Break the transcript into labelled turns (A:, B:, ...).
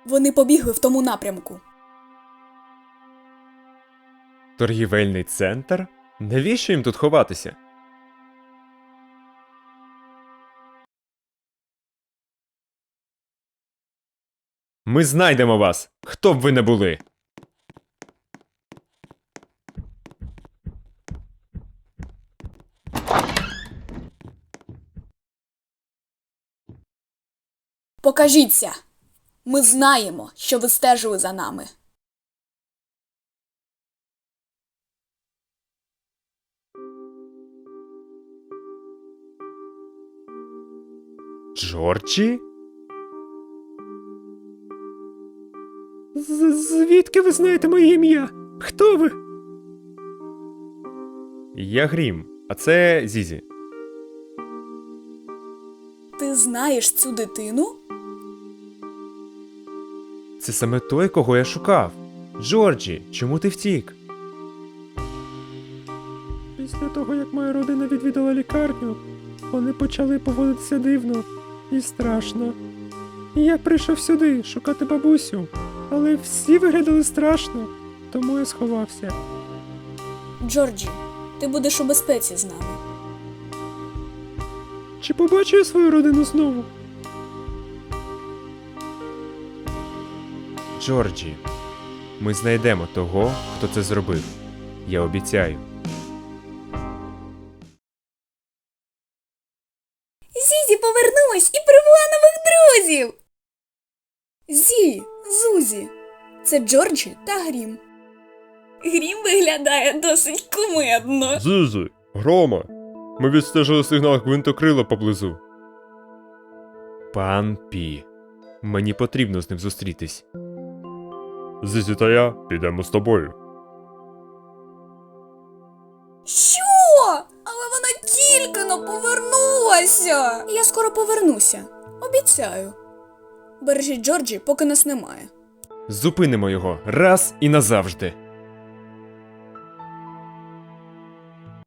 A: Вони побігли в тому напрямку.
B: Торгівельний центр? Навіщо їм тут ховатися? Ми знайдемо вас, хто б ви не були.
A: Покажіться! Ми знаємо, що ви стежили за нами.
B: Джорджі? Звідки ви знаєте моє ім'я? Хто ви? Я Грім, а це Зізі.
A: Ти знаєш цю дитину?
B: Це саме той, кого я шукав. Джорджі, чому ти втік?
C: Після того, як моя родина відвідала лікарню, вони почали поводитися дивно і страшно. І я прийшов сюди шукати бабусю, але всі виглядали страшно, тому я сховався.
A: Джорджі, ти будеш у безпеці з нами.
C: Чи побачу я свою родину знову?
B: Джорджі, ми знайдемо того, хто це зробив. Я обіцяю.
A: Зізі повернулась і привела нових друзів! Зузі, це Джорджі та Грім. Грім виглядає досить кумедно.
B: Зізі, Грома, ми відстежили сигнал гвинтокрила поблизу. Пан Пі, мені потрібно з ним зустрітись. Зізі та я підемо з тобою.
A: Що? Але вона тільки но повернулася. Я скоро повернуся. Обіцяю. Бережіть Джорджі, поки нас немає.
B: Зупинимо його раз і назавжди.